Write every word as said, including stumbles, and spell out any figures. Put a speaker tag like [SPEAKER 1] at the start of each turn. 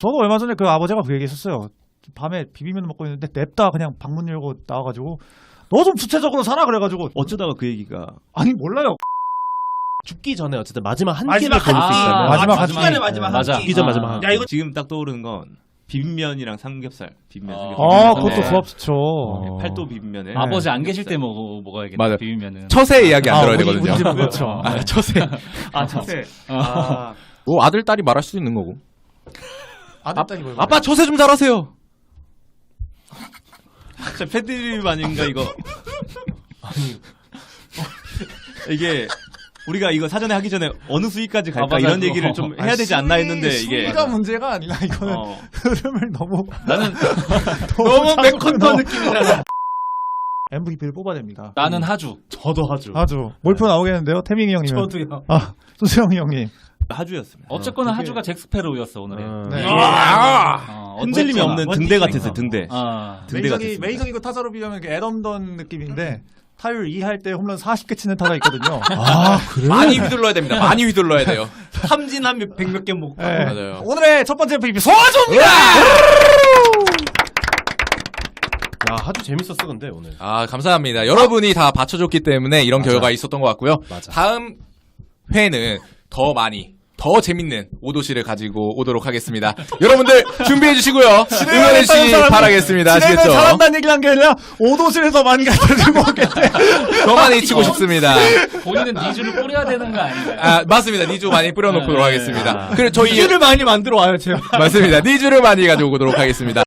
[SPEAKER 1] 저도 얼마 전에 그 아버지가 그 얘기했었어요. 밤에 비빔면 먹고 있는데 냅다 그냥 방문 열고 나와가지고 너 좀 구체적으로 살아 그래가지고
[SPEAKER 2] 어쩌다가 그 얘기가
[SPEAKER 1] 아니 몰라요.
[SPEAKER 3] 죽기 전에 어쨌든 마지막 한
[SPEAKER 4] 마지막
[SPEAKER 3] 끼를 걸릴 수
[SPEAKER 4] 한 끼.
[SPEAKER 3] 있다면
[SPEAKER 1] 마지막 한
[SPEAKER 4] 죽기 전에
[SPEAKER 1] 끼.
[SPEAKER 4] 마지막 한
[SPEAKER 5] 맞아.
[SPEAKER 4] 끼.
[SPEAKER 3] 죽기 전
[SPEAKER 5] 아.
[SPEAKER 3] 마지막 한 끼.
[SPEAKER 4] 야 이거
[SPEAKER 2] 지금 딱 떠오르는 건 비빔면이랑 삼겹살. 비빔면
[SPEAKER 3] 아.
[SPEAKER 2] 삼겹살.
[SPEAKER 1] 아
[SPEAKER 2] 비빔면에
[SPEAKER 1] 그것도 조합 좋죠.
[SPEAKER 3] 어.
[SPEAKER 2] 팔도 비빔면에
[SPEAKER 5] 아버지 안 계실 때 먹어 먹어야겠다.
[SPEAKER 6] 맞아요.
[SPEAKER 5] 비빔면은.
[SPEAKER 6] 처세 이야기 안
[SPEAKER 1] 아,
[SPEAKER 6] 들어야
[SPEAKER 1] 우리-
[SPEAKER 6] 되거든요.
[SPEAKER 1] 우리 집 그렇죠.
[SPEAKER 6] 아, 처세.
[SPEAKER 2] 아 자세.
[SPEAKER 5] 어.
[SPEAKER 2] 아
[SPEAKER 6] 뭐 아들 딸이 말할 수 있는 거고.
[SPEAKER 1] 아들 딸이 뭐
[SPEAKER 6] 아빠 처세 좀 잘하세요.
[SPEAKER 2] 진짜 패드립 아닌가 이거. 이게 우리가 이거 사전에 하기 전에 어느 수위까지 갈까
[SPEAKER 5] 아, 맞아,
[SPEAKER 2] 이런
[SPEAKER 5] 그거.
[SPEAKER 2] 얘기를 좀 해야 되지 않나 했는데 이게
[SPEAKER 1] 수위가 문제가 아니라 이거는
[SPEAKER 2] 어.
[SPEAKER 1] 흐름을 너무
[SPEAKER 5] 나는
[SPEAKER 1] 너무
[SPEAKER 4] 맥컨터 느낌이잖아.
[SPEAKER 1] 엠브이피를 뽑아야 됩니다.
[SPEAKER 5] 나는 하주.
[SPEAKER 3] 저도 하죠.
[SPEAKER 1] 아주 몰표 나오겠는데요, 태민이 형님은.
[SPEAKER 4] 저도요.
[SPEAKER 1] 아 소수영이 형님.
[SPEAKER 2] 하주였습니다.
[SPEAKER 5] 어쨌거나
[SPEAKER 2] 어, 되게
[SPEAKER 5] 하주가 잭스페로우였어 오늘의.
[SPEAKER 1] 네.
[SPEAKER 5] 어,
[SPEAKER 2] 흔들림이
[SPEAKER 5] 어쨌거나.
[SPEAKER 2] 없는 등대 같았어요. 등대.
[SPEAKER 5] 아.
[SPEAKER 2] 등대
[SPEAKER 1] 메이저기
[SPEAKER 2] 같았습니다.
[SPEAKER 1] 메이저리그 타자로 비하면 애덤던 느낌인데 타율 이 할 때 홈런 사십 개 치는 타자 있거든요.
[SPEAKER 6] 아 그래? 많이 휘둘러야 됩니다. 많이 휘둘러야 돼요.
[SPEAKER 4] 삼진 한 백 몇 개 먹고.
[SPEAKER 1] 네.
[SPEAKER 6] 맞아요.
[SPEAKER 1] 오늘의 첫 번째 엠브이피 소아조입니다.
[SPEAKER 3] 야 하주 재밌었어 근데 오늘.
[SPEAKER 6] 아 감사합니다. 여러분이 다 받쳐줬기 때문에 이런
[SPEAKER 3] 맞아.
[SPEAKER 6] 결과가 있었던 것 같고요.
[SPEAKER 3] 맞아.
[SPEAKER 6] 다음 회는 더 많이 더 재밌는 오도시를 가지고 오도록 하겠습니다. 여러분들 준비해 주시고요. 응원해 주시기 바라겠습니다.
[SPEAKER 1] 진행을
[SPEAKER 6] 아시겠죠?
[SPEAKER 1] 잘한다는 얘기를 한 게 아니라 오도실에서 많이 갖다 들고 오겠대.
[SPEAKER 6] 더 많이 치고 싶습니다.
[SPEAKER 5] 본인은 니주를 뿌려야 되는 거 아닌가요?
[SPEAKER 6] 아 맞습니다. 니주 많이 뿌려놓도록
[SPEAKER 5] 네.
[SPEAKER 6] 하겠습니다. 그리고 저희
[SPEAKER 4] 를 많이 만들어 와요 제가.
[SPEAKER 6] 맞습니다. 니주를 많이 가져오도록 하겠습니다.